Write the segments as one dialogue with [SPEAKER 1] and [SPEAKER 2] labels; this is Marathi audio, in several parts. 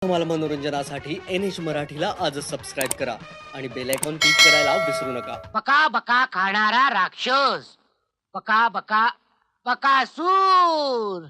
[SPEAKER 1] तुम्हाला मनोरंजनासाठी NH मराठीला आजच सबस्क्राईब करा आणि बेल आयकॉन क्लिक करायला विसरू नका.
[SPEAKER 2] बका बका खाणारा राक्षस, बका बका बकासूर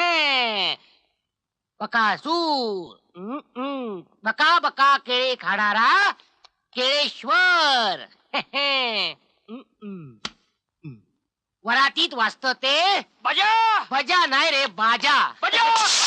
[SPEAKER 2] बकासूर. बका बका केळे खाणारा केळेश्वर. वरातीत वाचत ते
[SPEAKER 3] बजा
[SPEAKER 2] बजा नाही रे बाजा.
[SPEAKER 3] बजा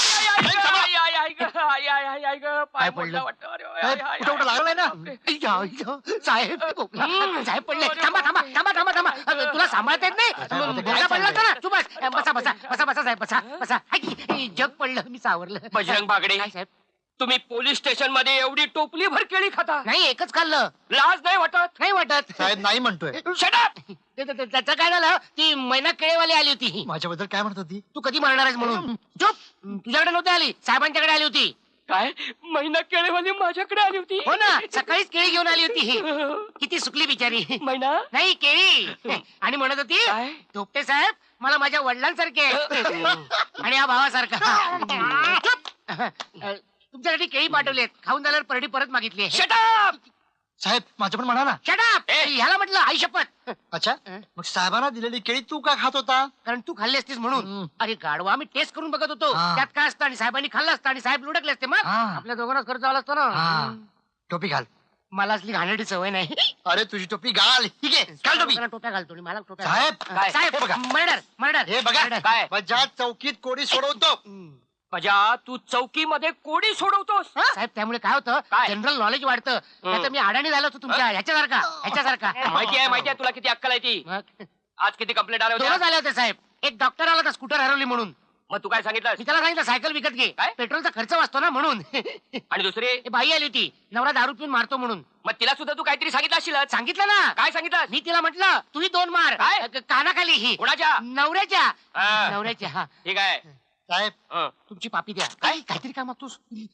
[SPEAKER 2] काय पडलं?
[SPEAKER 3] कुठं कुठं लागलाय ना
[SPEAKER 2] साहेब साहेब पडले. थांबा थांबा थांबा थांबा थांबा. तुला सांभाळता येत नाही? बोला पडला होता ना. तू बस बसा बसा बसा बसा साहेब बसा बसा. जग पडलं मी सावरलं.
[SPEAKER 3] बजरंग बागडे
[SPEAKER 2] काय साहेब?
[SPEAKER 3] तुम्ही पोलीस स्टेशन मध्ये एवढी टोपली भर केळी खाता,
[SPEAKER 2] नाही एकच खाल्लं.
[SPEAKER 3] लाज नाही वाटत?
[SPEAKER 2] नाही वाटत
[SPEAKER 4] साहेब नाही म्हणतोय.
[SPEAKER 3] Shut up!
[SPEAKER 2] त्याचं काय झालं? ती मैना केळेवाली आली होती.
[SPEAKER 4] माझ्याबद्दल काय म्हणत होती?
[SPEAKER 2] तू कधी मारणार आहेस म्हणून. चुप. तुझ्याकडे नव्हती आली, साहेबांच्याकडे आली होती.
[SPEAKER 3] काय महिना केळीवाली माझ्याकडे आली होती?
[SPEAKER 2] हो ना, सकाळीच केळी घेऊन आली होती ही. किती सुकली बिचारी.
[SPEAKER 3] महिना
[SPEAKER 2] नाही केळी. आणि म्हणत होती
[SPEAKER 3] काय?
[SPEAKER 2] धोपटे साहेब मला माझ्या वडिलांसारखे आणि या भावासारखा. चुप. तुमच्यासाठी केळी पाठवलेत, खाऊन झाल्यावर परडी परत मागितली.
[SPEAKER 3] Shut up!
[SPEAKER 4] साहेब माझं पण म्हणा ना.
[SPEAKER 2] Shut up! ह्याला म्हटलं आई शपथ.
[SPEAKER 4] अच्छा मग साहेबांना दिलेली केळी तू का खात होता?
[SPEAKER 2] कारण तू खाल्ली असतीस म्हणून. अरे गाडवा, आम्ही टेस्ट करून बघत होतो
[SPEAKER 4] हा.
[SPEAKER 2] त्यात काय असतं आणि साहेबांनी खाल्लं असतं आणि साहेब लुडकले असते. मग
[SPEAKER 4] हा.
[SPEAKER 2] आपल्या दोघांनाच खर्च आला असतो ना.
[SPEAKER 4] टोपी घाल.
[SPEAKER 2] मला असली घाणेरडी सवय नाही.
[SPEAKER 4] अरे तुझी टोपी घाल. ठीक आहे घाल टोपी.
[SPEAKER 2] लोकांना टोप्या घालतो आणि मला टोप्या
[SPEAKER 4] साहेब,
[SPEAKER 2] घाल. साहेब
[SPEAKER 4] हे बघा.
[SPEAKER 2] मर्डर मर्डर
[SPEAKER 4] हे बघा
[SPEAKER 3] काय?
[SPEAKER 4] बजाज चौकीत कोडी सोडवतो.
[SPEAKER 3] बजा तू चौकीमध्ये कोडी सोडवतोस?
[SPEAKER 2] साहेब त्यामुळे काय होतं,
[SPEAKER 3] काय?
[SPEAKER 2] जनरल नॉलेज वाढतं. नाहीतर मी अडाणी झालो होतो तुमच्या ह्याच्यासारखा.
[SPEAKER 3] माहिती आहे तुला किती अक्कल आहे ती.
[SPEAKER 2] मग
[SPEAKER 3] आज किती कंप्लेंट आल्या
[SPEAKER 2] दोनच
[SPEAKER 3] होत्या?
[SPEAKER 2] आले होते साहेब. एक डॉक्टर आला होता, स्कूटर हरवली म्हणून.
[SPEAKER 3] मग तू काय सांगितलं?
[SPEAKER 2] मी त्याला सांगितलं सायकल विकत घे,
[SPEAKER 3] काय?
[SPEAKER 2] पेट्रोलचा खर्च वाचतो ना म्हणून.
[SPEAKER 3] आणि दुसरी?
[SPEAKER 2] ए, बाई आली होती, नवरा दारू पिऊन मारतो म्हणून.
[SPEAKER 3] मग तिला सुद्धा तू काहीतरी सांगितलं असशील.
[SPEAKER 2] सांगितलं ना.
[SPEAKER 3] काय सांगितलं?
[SPEAKER 2] मी तिला म्हटलं तूही दोन मार.
[SPEAKER 3] काय?
[SPEAKER 2] कानाखाली ही
[SPEAKER 3] कोणाच्या?
[SPEAKER 2] नवऱ्याच्या.
[SPEAKER 3] हा.
[SPEAKER 2] नवऱ्याच्या. हा.
[SPEAKER 3] ठीक आहे.
[SPEAKER 4] साहेब
[SPEAKER 2] तुमची पापी द्या. काय काहीतरी काय मागतोस?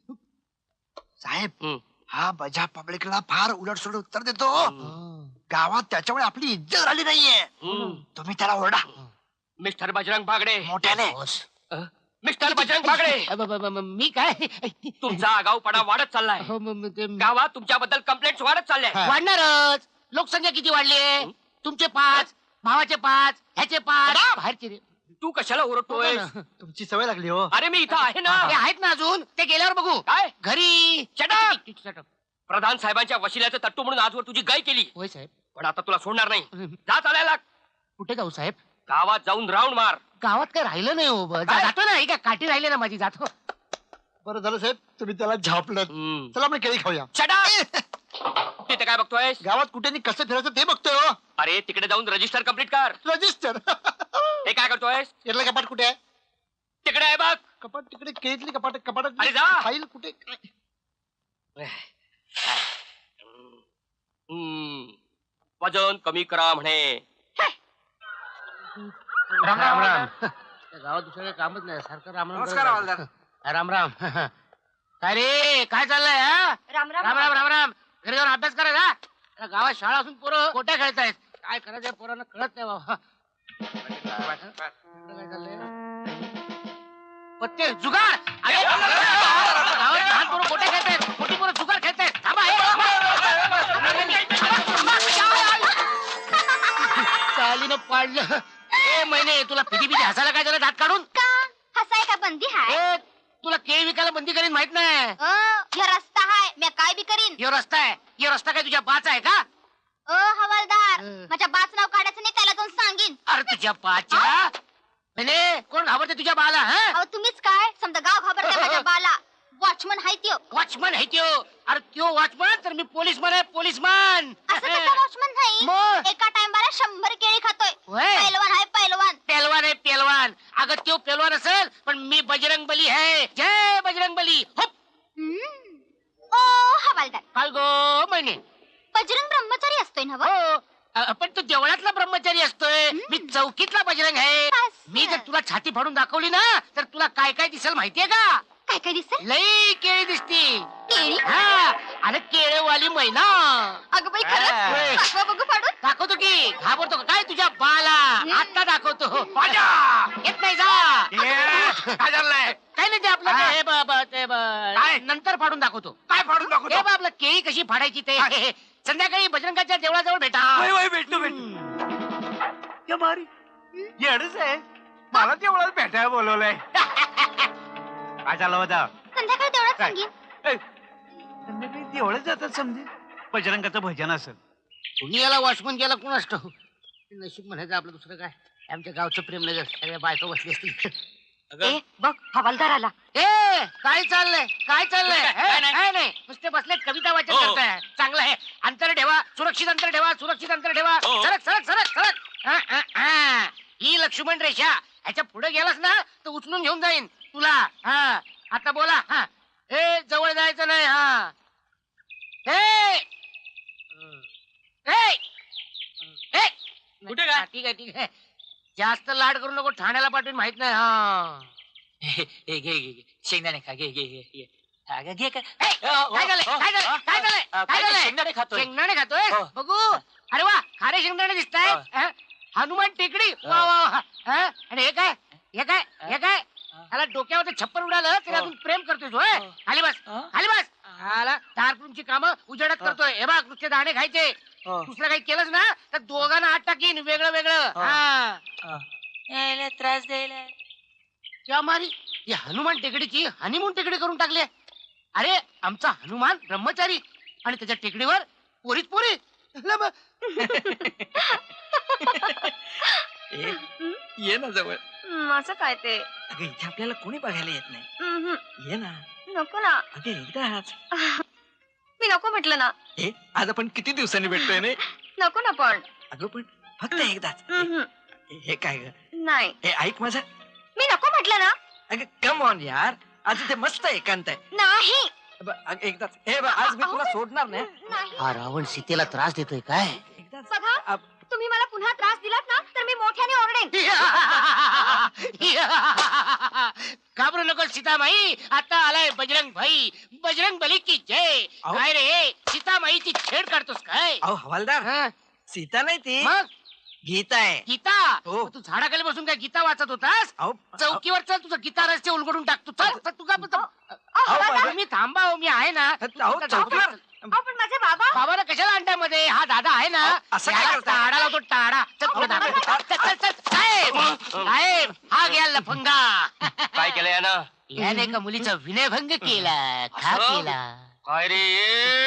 [SPEAKER 4] साहेब हा बजा पब्लिकला फार उलटसुलट उत्तर देतो. गावात त्याच्यामुळे आपली इज्जत झाली नाहीये. तुम्ही त्याला ओरडा
[SPEAKER 3] मिस्टर बजरंग बागडे.
[SPEAKER 4] मोठ्याने.
[SPEAKER 3] मिस्टर बजरंग बागडे,
[SPEAKER 2] मी काय
[SPEAKER 3] तुमचा आगाऊपणा वाढत चाललाय.
[SPEAKER 2] हो, ते
[SPEAKER 3] गावात तुमच्याबद्दल कंप्लेंट वाढत चालल्या.
[SPEAKER 2] वाढणारच. लोकसंख्या किती वाढली? तुमचे 5, भावाचे 5, ह्याचे 5, बाहेरचे रे.
[SPEAKER 3] तू कशाला ओरडतोय?
[SPEAKER 4] तुमची सवय लागली हो.
[SPEAKER 3] अरे मी इथं आहे ना.
[SPEAKER 2] ते आहेत ना अजून, ते गेल्यावर बघू.
[SPEAKER 3] काय?
[SPEAKER 2] घरी.
[SPEAKER 3] Shut up! प्रधान साहेबांच्या वशिल्याचं तट्टू म्हणून आजवर तुझी गाय केली,
[SPEAKER 2] होय साहेब.
[SPEAKER 3] पण आता तुला सोडणार नाही. जा चालायला.
[SPEAKER 2] कुठे जाऊ साहेब?
[SPEAKER 3] गावात जाऊन राऊंड मार.
[SPEAKER 2] गावात काय राहिलं नाही हो.
[SPEAKER 3] काय?
[SPEAKER 2] जातो ना, ही काय काठी राहिली ना माझी, जातो.
[SPEAKER 4] बरं झालं साहेब तुम्ही त्याला झापलं. चला आपण केळी खाऊया.
[SPEAKER 3] तिथे काय बघतोय?
[SPEAKER 4] गावात कुठे आणि कसं फिरायचं ते बघतोय हो.
[SPEAKER 3] अरे तिकडे जाऊन रजिस्टर कम्प्लीट कर.
[SPEAKER 4] रजिस्टर.
[SPEAKER 3] हे काय करतोय?
[SPEAKER 4] यातलं कपाट कुठे आहे?
[SPEAKER 3] तिकडे आहे बघ.
[SPEAKER 4] कपाट तिकडे केळीतली कपाट कपाटात
[SPEAKER 3] अरे जा.
[SPEAKER 4] फाईल कुठे?
[SPEAKER 3] वजन कमी करा म्हणे.
[SPEAKER 2] राम राम राम. त्या गावात दुसरं काही कामच नाही, सारखं राम राम.
[SPEAKER 3] नमस्कार, हवालदार.
[SPEAKER 2] राम राम. काय रे, काय चाललंय? हा?
[SPEAKER 5] राम राम
[SPEAKER 2] राम राम राम राम. घरी जाऊन अभ्यास करायचा. त्या गावात शाळा असून पोरं कोट्या खेळतायत. काय करायचं पोरांना कळत नाही बाबा. काय चाललंय? पत्ते जुगार. अरे गावात लहान पोरं कोट्या खेळतायत, मोठी पोरं जुगार खेळतायत. थांबा हे. चालीनं पाडलं. ए महिने, तुला पिटी पिटी हसायला काय झालं दात काढून?
[SPEAKER 5] का हसाय का बंदी हाय?
[SPEAKER 2] ए, तुला केळी विकायला बंदी करीन माहित नाही?
[SPEAKER 5] ह्यो रस्ता हाय, मी काय बी करीन.
[SPEAKER 2] यो रस्ता आहे. यो रस्ता काय तुझ्या बाचा आहे का?
[SPEAKER 5] हवालदार, माझ्या बाच नाव काढायचं नाही, त्याला जाऊन सांगीन.
[SPEAKER 2] अरे तुझ्या बाच्या. म्हणे कोण घाबरते तुझ्या बाला?
[SPEAKER 5] अहो तुम्हीच काय, समजा गाव घाबरते माझ्या बाला. वॉचमन हाय त्यो.
[SPEAKER 2] वॉचमन आहे त्यो. अरे त्यो वॉचमन तर मी पोलीसमन आहे, पोलीसमन.
[SPEAKER 5] असं कसं वॉचमन नाही?
[SPEAKER 2] मग?
[SPEAKER 5] एका टाइमला 100 केळी खातोय.
[SPEAKER 2] होय.
[SPEAKER 5] पैलवान हाय पैलवान.
[SPEAKER 2] पेलवान आहे पेलवान. अगं त्यो पेलवान असेल पण मी बजरंग बली आहे. जय बजरंग बली. हुप.
[SPEAKER 5] ओ हवालदार,
[SPEAKER 2] काय गो महिने?
[SPEAKER 5] बजरंग ब्रह्मचारी असतोय ना?
[SPEAKER 2] हो. पण तू देवळातला ब्रह्मचारी असतोय, मी चौकीतला बजरंग आहे.
[SPEAKER 5] असं.
[SPEAKER 2] मी जर तुला छाती फाडून दाखवली ना तर तुला काय काय दिसेल माहितीये का?
[SPEAKER 5] काय काय दिसेल?
[SPEAKER 2] लई केळी दिसतील.
[SPEAKER 5] केळी?
[SPEAKER 2] हा. अरे केळेवाली मैना.
[SPEAKER 5] अगं बाई
[SPEAKER 2] होय.
[SPEAKER 5] खरंच? दाखवा बघू फाडून.
[SPEAKER 2] दाखवतो की. घाबरतो का काय तुझ्या बाला? आता दाखवतो.
[SPEAKER 3] माझ्या
[SPEAKER 2] येत नाही जा.
[SPEAKER 3] काय झालंय?
[SPEAKER 2] काही नाही, ते आपलं ते हे
[SPEAKER 3] काय?
[SPEAKER 2] नंतर फाडून दाखवतो.
[SPEAKER 4] काय फाडून
[SPEAKER 2] हे
[SPEAKER 4] दाखवतो
[SPEAKER 2] बा आपलं केळी कशी फाडायची ते. संध्याकाळी बजरंगाच्या देवळाजवळ भेटा.
[SPEAKER 4] भेटतो या मारी येडच आहे मला तेवढं भेटायला बोलवलंय काय झालं होता
[SPEAKER 5] संध्याकाळी तेवढंच
[SPEAKER 4] काय?
[SPEAKER 5] सांगेन.
[SPEAKER 4] संध्याकाळी तेवढंच जातात समजे बजरंगाचं भजन असेल
[SPEAKER 2] कुणी याला वॉचमन केला कोण असतो. नशीब म्हणायचं आपलं दुसरं काय. आमच्या गावचं प्रेम नगर सगळ्या बायका बसली असतील.
[SPEAKER 5] ए बघ हवालदार आला.
[SPEAKER 2] ए काय चाललंय काय चाललंय.
[SPEAKER 3] काय नाही.
[SPEAKER 2] काय नाही नुसते बसले कविता वाचन
[SPEAKER 3] हो.
[SPEAKER 2] करताय. चांगलं आहे. अंतर ठेवा सुरक्षित अंतर ठेवा सुरक्षित अंतर ठेवा.
[SPEAKER 3] हो.
[SPEAKER 2] सरक सरक सरक सरक. ही लक्ष्मण रेषा ह्याच्या पुढे गेलास ना तर उचलून घेऊन जाईन तुला. हा आता बोला. हा ए जवळ जायचं नाही. हा ए ए ए
[SPEAKER 3] कुठे काय?
[SPEAKER 2] हा, ठीक आहे ठीक आहे. जास्त लाड करू नको ठाण्याला पाठवून माहित नाही. हा
[SPEAKER 3] घे घे घे शेंगदाणे खा घे घे घे घे घे काय
[SPEAKER 2] ए, काय झालंय काय झालंय काय झालंय काय झालंय.
[SPEAKER 3] शेंगदाणे खातोय
[SPEAKER 2] शेंगदाणे खातोय
[SPEAKER 3] हो.
[SPEAKER 2] बघू. अरे वा खारे शेंगदाणे दिसताय.
[SPEAKER 3] हो.
[SPEAKER 2] हनुमान टेकडी वा वा वा. हा? आणि हे काय हे काय हे काय त्याला डोक्यावर छप्पर उडालं तरी
[SPEAKER 3] हो.
[SPEAKER 2] अजून प्रेम करतोय तो. होय? खाली बस खाली बस. हाला दारपूरची कामं उजेडत करतोय. हे बघ नुसते दाणे खायचे. दुसरं काही केलंच ना तर दोघांना आत टाकीन वेगळं वेगळं. हा
[SPEAKER 3] त्रास द्यायला
[SPEAKER 2] त्या मारी या हनुमान टेकडीची हनीमून टेकडी करून टाकली. अरे आमचा हनुमान ब्रह्मचारी आणि त्याच्या टेकडीवर पोरीच पोरी. ला मग.
[SPEAKER 3] ये ना जवळ
[SPEAKER 5] असं काय ते.
[SPEAKER 3] अगं इथे आपल्याला कोणी बघायला येत नाही
[SPEAKER 5] हम्म.
[SPEAKER 3] ये ना
[SPEAKER 5] नको ना.
[SPEAKER 3] अगं एकदाच
[SPEAKER 5] मी नको म्हटलं ना.
[SPEAKER 3] हे आज आपण किती दिवसांनी भेटतोय नाही
[SPEAKER 5] नको ना पण.
[SPEAKER 3] अगं पण फक्त एकदाच
[SPEAKER 5] हम्म.
[SPEAKER 3] हे काय ग
[SPEAKER 5] नाही
[SPEAKER 3] हे ऐक माझं
[SPEAKER 5] मी नको म्हटलं ना.
[SPEAKER 3] अगं कम ऑन यार आज इथे मस्त एकांत आहे
[SPEAKER 5] नाही
[SPEAKER 3] अगं, एकदाच हे बघ आज मी तुला सोडणार नाही
[SPEAKER 5] नाही.
[SPEAKER 2] हा रावण सीतेला त्रास देतोय काय.
[SPEAKER 3] एकदाच
[SPEAKER 5] बघा तुम्ही मला पुन्हा त्रास दिलात ना तर मी मोठ्याने ओरडेन.
[SPEAKER 2] घाबरू नको सीतामाई आता आलाय बजरंग भाई. बजरंग बली की जय.
[SPEAKER 3] अहो.
[SPEAKER 2] काय रे सीतामाईची छेड काढतोस काय.
[SPEAKER 3] अहो हवालदार
[SPEAKER 2] हा?
[SPEAKER 3] सीता नाही ती
[SPEAKER 2] मग
[SPEAKER 3] गीता आहे
[SPEAKER 2] गीता
[SPEAKER 3] हो.
[SPEAKER 2] मग तू झाडाखाली बसून काय गीता वाचत होतास.
[SPEAKER 3] अहो
[SPEAKER 2] चौकीवर चल तुझं गीता रस्ते उलगडून टाक. तू चल चल, तू का
[SPEAKER 5] बाबा,
[SPEAKER 2] मी थांबा हो मी आहे ना. तू
[SPEAKER 3] अहो,
[SPEAKER 2] फक्त
[SPEAKER 3] चौकीवर?
[SPEAKER 2] धाव.
[SPEAKER 5] अहो, पण माझे बाबा.
[SPEAKER 2] बाबाला कशाला अंड्यामध्ये हा दादा आहे ना.
[SPEAKER 3] अहो, असं काय
[SPEAKER 2] याला
[SPEAKER 3] करताय?
[SPEAKER 2] टाळा लावतो टाळा. चल तुला दाखवतो. चल, चल, चल. साहेब साहेब हा घ्या लफंगा.
[SPEAKER 3] काय केलं यानं
[SPEAKER 2] याने का मुलीचा विनयभंग केला खा
[SPEAKER 3] असं?
[SPEAKER 2] केला.
[SPEAKER 3] काय रे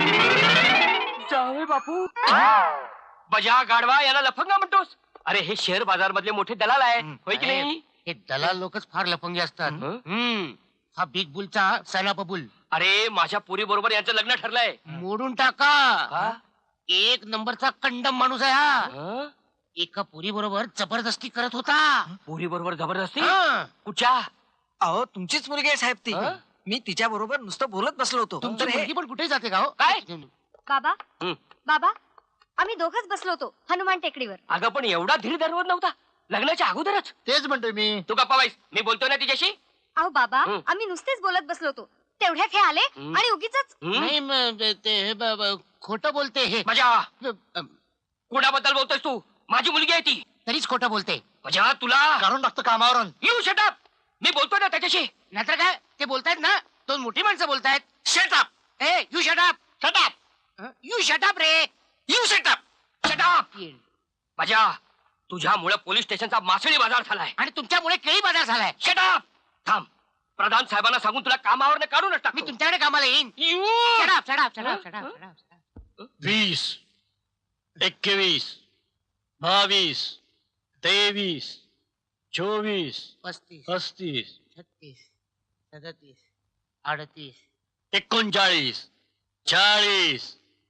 [SPEAKER 3] जावे बापू बजा गाडवा याला लफंगा म्हणतोस. अरे हे शेअर बाजार मधले मोठे दलाल आहे होय की नाही.
[SPEAKER 2] हे दलाल लोकच फार लफंगे असतात.
[SPEAKER 3] हं?
[SPEAKER 2] हा बिग बुलचा सैलाप बुल.
[SPEAKER 3] अरे माझ्या पुरी बरोबर यांचं लग्न ठरलंय
[SPEAKER 2] मोडून टाका.
[SPEAKER 3] का?
[SPEAKER 2] एक नंबरचा कंडम माणूस आहे हा.
[SPEAKER 3] हं?
[SPEAKER 2] एका पुरी बरोबर जबरदस्ती करत होता.
[SPEAKER 3] पुरी बरोबर जबरदस्ती
[SPEAKER 2] हं.
[SPEAKER 3] कुठच्या
[SPEAKER 6] अहो तुमचीच मुलगी आहे साहेब ती
[SPEAKER 3] हं?
[SPEAKER 6] मी तिच्या बरोबर नुसतं बोलत बसलो होतो
[SPEAKER 2] तुमची
[SPEAKER 6] तर हे
[SPEAKER 2] मुलगी पण कुठे जाते का हो.
[SPEAKER 3] काय?
[SPEAKER 5] बाबा
[SPEAKER 3] हं.
[SPEAKER 5] बाबा आम्ही दोघच बसलो होतो हनुमान टेकडीवर.
[SPEAKER 3] अगं पण एवढा धीर धरवत नव्हता लग्नाच्या अगोदरच.
[SPEAKER 2] तेच म्हणतोय मी.
[SPEAKER 3] तू गप्पा बाईस मी बोलतोय ना तिच्याशी.
[SPEAKER 5] अहो बाबा
[SPEAKER 3] हं.
[SPEAKER 5] आम्ही नुसतेच बोलत बसलो होतो तेवढ्यात हे आले
[SPEAKER 3] हं.
[SPEAKER 5] आणि उगीच
[SPEAKER 3] हं?
[SPEAKER 2] नाही ते खोटं बोलते हे.
[SPEAKER 3] माझ्या
[SPEAKER 2] अ,
[SPEAKER 3] कुणाबद्दल बोलतोयस तू. माझी मुलगी आहे ती.
[SPEAKER 2] तरीच खोटं बोलते.
[SPEAKER 3] माझ्या तुला
[SPEAKER 2] काढून टाकतो कामावरून.
[SPEAKER 3] यू शटअप मी बोलतोय ना त्याच्याशी.
[SPEAKER 2] नाहीतर काय ते बोलतायत ना दोन मोठी माणसं बोलतायत. शटअप ए you shut up shut up you shut up रे
[SPEAKER 3] यू शटअप शटअप माझ्या तुझ्यामुळे पोलीस स्टेशनचा मासळी बाजार झालाय.
[SPEAKER 2] आणि तुमच्यामुळे केळी बाजार झालाय.
[SPEAKER 3] शटअप थांब प्रधान साहेबांना सांगून तुला कामावर काढूनच टाक.
[SPEAKER 2] मी तुमच्याकडे कामाला येईन.
[SPEAKER 3] You
[SPEAKER 2] shut up shut up shut up shut up shut up.
[SPEAKER 7] 20, 21, 22, 23, 24,
[SPEAKER 2] 35
[SPEAKER 7] 35,
[SPEAKER 2] 36 37 38
[SPEAKER 7] 39, 40.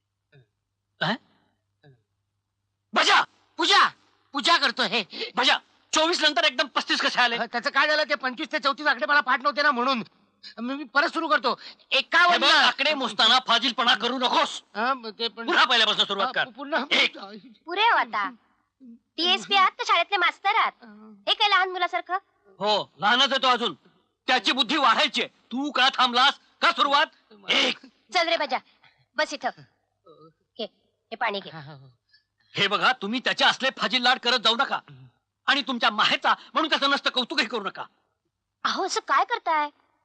[SPEAKER 3] बजा
[SPEAKER 2] पूजा पूजा करतोय हे.
[SPEAKER 3] बजा 24 नंतर एकदम 35 कसे आले.
[SPEAKER 2] त्याचं काय झालं ते 25 ते 34 आकडे मला पाठ नव्हते ना म्हणून मी परत सुरू करतो.
[SPEAKER 7] हे
[SPEAKER 2] 51
[SPEAKER 7] बघ, आकडे मोजताना फाजीलपणा करू नकोस.
[SPEAKER 2] ते पण
[SPEAKER 7] पुन्हा पहिल्यापासून सुरुवात कर.
[SPEAKER 2] पुन्हा
[SPEAKER 7] एक.
[SPEAKER 5] पुरे हो आता. टीएसपी आहात तर शाळेतले मास्तर आहात. हे काय लहान मुलासारखं.
[SPEAKER 7] हो लहानच आहे तो अजून त्याची बुद्धी वाढायची आहे. तू का थांबलास का सुरुवात एक.
[SPEAKER 5] चल रे बजा बस इथं. हे पाणी घे.
[SPEAKER 7] हे बघा तुम्ही त्याचे असले फाजील लाड करत जाऊ नका आणि तुमच्या माहेचा म्हणून त्याचं नसतं कौतुकही करू नका.
[SPEAKER 5] अहो असं काय करताय.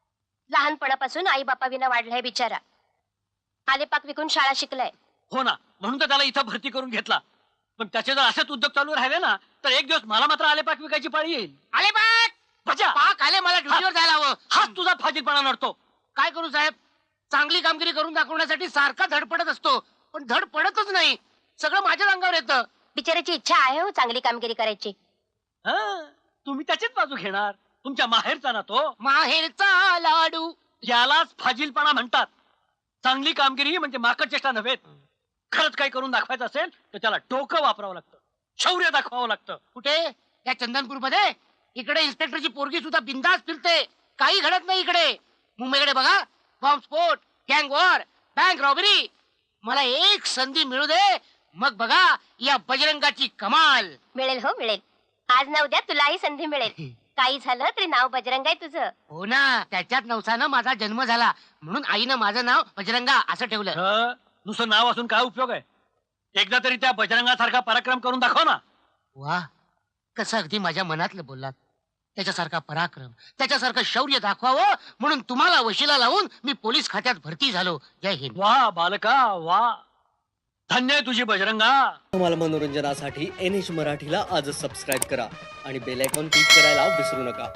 [SPEAKER 5] लहानपणापासून आई बापा विना वाढलाय बिचारा. आलेपाक विकून शाळा शिकलाय.
[SPEAKER 7] हो ना, म्हणून तर त्याला इथं भरती करून घेतला. पण त्याचे जर असेच उद्योग चालू राहिले ना तर एक दिवस मला मात्र आलेपाक विकायची पाळी येईल.
[SPEAKER 2] आले पाक
[SPEAKER 7] बजा,
[SPEAKER 2] पाक आले, मला ड्युटीवर जायला हवं.
[SPEAKER 7] हाच तुझा फाजीलपणा नडतो.
[SPEAKER 2] काय करू साहेब, चांगली कामगिरी करून दाखवण्यासाठी सारखा धडपडत असतो, पण धड पडतच नाही. सगळं माझ्याच अंगावर येतं.
[SPEAKER 5] बिचाराची इच्छा आहे हो चांगली कामगिरी करायची.
[SPEAKER 7] हा, तुम्ही त्याचीच बाजू घेणार. तुमच्या माहेरचा ना तो.
[SPEAKER 2] माहेरचा लाडू.
[SPEAKER 7] यालाच फाजीलपणा म्हणतात. चांगली कामगिरी म्हणजे माकड चेष्टा नव्हे. खरंच काही करून दाखवायचं असेल तर त्याला डोकं वापरावं लागतं, शौर्य दाखवावं लागतं.
[SPEAKER 2] कुठे? या चंदनपूर मध्ये. इकडे इन्स्पेक्टरची पोरगी सुद्धा बिंदास फिरते, काही घडत नाही इकडे. मुंबईकडे बघा, बॉम्बस्फोट, गँग वॉर, बँक रॉबरी. मला एक संधी मिळू दे, मग बघा या बजरंगाची कमाल.
[SPEAKER 5] मिळेल हो मिळेल. आज ना उद्या तुलाही संधी मिळेल. काही झालं तरी नाव बजरंग आहे तुझं.
[SPEAKER 2] हो ना, त्याच्यात नवसानं माझा जन्म झाला, म्हणून आईनं माझं नाव बजरंगा असं ठेवलं.
[SPEAKER 7] हं, नुसतं नाव असून काय उपयोग आहे? एकदा तरी त्या बजरंगासारखा पराक्रम करून दाखव ना.
[SPEAKER 2] वा, कसं अगदी माझ्या मनातलं बोललात. त्याच्यासारखा पराक्रम, त्याच्यासारखं शौर्य दाखवावं म्हणून तुम्हाला वशिला लावून मी पोलीस खात्यात भरती झालो. जय हिंद.
[SPEAKER 7] वा बालका वा, धन्य आहे तुझी बजरंगा.
[SPEAKER 1] तुम्हाला मनोरंजनासाठी NH मराठीला आजच सबस्क्राईब करा आणि बेल आयकॉन क्लिक करायला विसरू नका.